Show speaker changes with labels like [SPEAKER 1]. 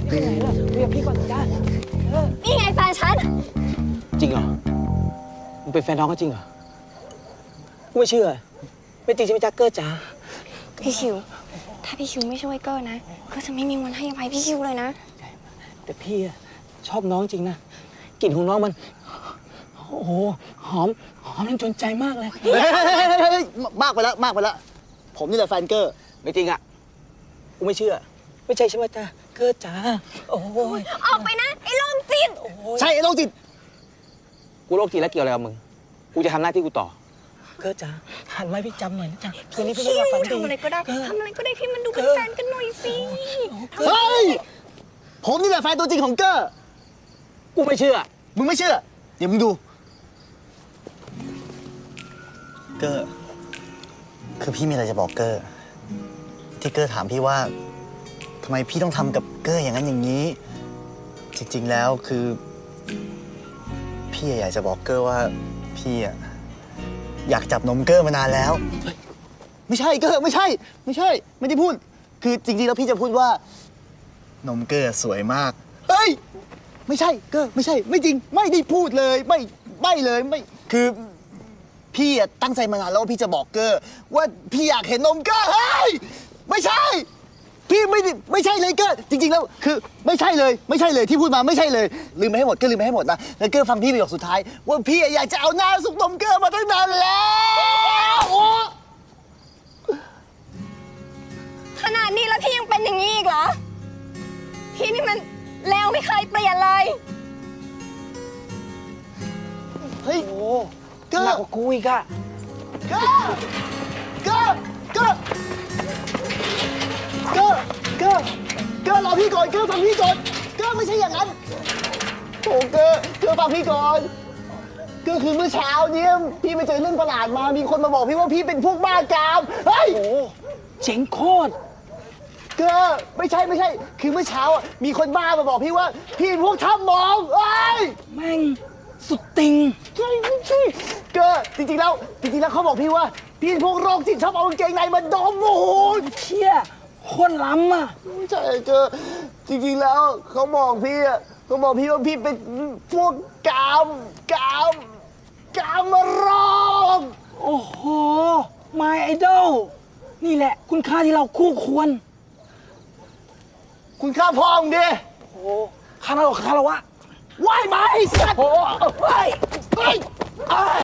[SPEAKER 1] ไปไหนล่ะคุยกับพี่ก่อนจ้า
[SPEAKER 2] นี่ไงแฟนฉัน
[SPEAKER 3] จริงเหรอ มึงเป็นแฟนน้องก็จริงเหรอ กูไม่เชื่อ ไม่จริงใช่ไหมจ๊ะเกอร์จ๋า
[SPEAKER 2] พี่ชิว ถ้าพี่ชิวไม่ช่วยเกอร์นะก็จะไม่มีวันให้อภัยพี่ชิวเลยนะ
[SPEAKER 3] แต่พี่อะชอบน้องจริงนะ กลิ่นของน้องมัน โอ้โห หอมจนจนใจมากเลย
[SPEAKER 4] มากไปแล้วมากไปแล้วผมนี่แหละแฟนเกอร์
[SPEAKER 3] ไม่จริงอ่ะ กูไม่เชื่อ ไม่ใช่ใช่ไหมจ๊ะเกอร์จ๋า โอ้ย
[SPEAKER 2] ออกไปนะ ไอ้โรคจิต
[SPEAKER 4] ใช่ไอ้โรคจิต
[SPEAKER 3] กูโรคจิตแล้วเกี่ยวอะไรกับมึง กูจะทำหน้าที่กูต่อ เกอร์จ๋า หันไว้พี่จำหน่อยนะจ๊ะคืนนี้พี่ไม่
[SPEAKER 2] ชิ
[SPEAKER 3] อยาก
[SPEAKER 2] ว
[SPEAKER 3] ฝันดี
[SPEAKER 2] ทำอะไรก็ได้ทำอะไรก็ได้ที่มันดูเป็นแฟนกันหน่อยสิ
[SPEAKER 4] เฮ้ยผมนี่แหละแฟนตัวจริงของเกอร์
[SPEAKER 3] กูไม่เชื่อ
[SPEAKER 4] มึงไม่เชื่อเดี๋ยวมึงดูเกอร์คือพี่มีอะไรจะบอกเกอร์ที่เกอร์ถามพี่ว่าทำไมพี่ต้องทำกับเกอร์อย่างนั้นอย่างนี้ จริงๆแล้วคือพี่อยากจะบอกเกอร์ว่าพี่อยากจับนมเกอร์มานานแล้ว ไม่ใช่เกอร์ไม่ใช่ไม่ได้พูดคือจริงๆแล้วพี่จะพูดว่านมเกอร์สวยมากเฮ้ยไม่ใช่เกอร์ไม่ใช่ไม่จริงไม่ได้พูดเลยไม่เลยไม่คือพี่ตั้งใจมานานแล้วว่าพี่จะบอกเกอร์ว่าพี่อยากเห็นนมเกอร์เฮ้ยไม่ใช่พี่ไม่ใช่เลยเกอร์จริงๆแล้วคือไม่ใช่เลยที่พูดมาไม่ใช่เลยลืมไปให้หมดก็ลืมไปให้หมดนะแล้วเกอร์ฟังพี่ประโยคสุดท้ายว่าพี่อยากจะเอาหน้าสุกนมเกอร์มาตั้งนานแล้วโอ้
[SPEAKER 2] ขนาดนี้แล้วพี่ยังเป็นอย่างนี้อีกเหรอ พี่นี่มันแล้วไม่เคยเปลี่ยนเลย
[SPEAKER 4] เฮ้ย
[SPEAKER 3] โอ้
[SPEAKER 4] เกอ
[SPEAKER 3] หนัก
[SPEAKER 4] ร์
[SPEAKER 3] กว่ากูอีกอะ
[SPEAKER 4] เกอร์เกอร์เกอร์เกอร์เกอร์เกอร์รอพี่ก่อนเกอร์ฟังพี่ก่อนเกอร์ไม่ใช่อย่างนั้นโอ้เกอร์ฟังพี่ก่อนเกอร์คือเมื่อเช้าเนี้ยพี่ไปเจอเรื่องประหลาดมามีคนมาบอกพี่ว่าพี่เป็นพวกบ้ากามเฮ้ย
[SPEAKER 3] โอ้เจ๋งโคตร
[SPEAKER 4] เกอร์ไม่ใช่คือเมื่อเช้ามีคนบ้ามาบอกพี่ว่าพี่เป็นพวกถ้ำมองเอ้ย
[SPEAKER 3] แม่งสุดติง
[SPEAKER 4] ใช่เกอร์จริงๆแล้วเขาบอกพี่ว่าพี่เป็นพวกโรคจิตชอบเอากางเกงในมาดมโอ้โห
[SPEAKER 3] เชี่ยโคตรล้ำอ่ะ
[SPEAKER 4] ไม่ใช่เกอร์จริงๆแล้วเขาบอกพี่ว่าพี่เป็นพวกกามมาโรค
[SPEAKER 3] โอ้โห My Idol นี่แหละ คุณค่าที่เราคู่ควร
[SPEAKER 4] คุณค่าพ่อมึงดิ
[SPEAKER 3] โอ้คาราโอเกะคาราวะไหว้ไหมไอ้สัตว์โอ้ย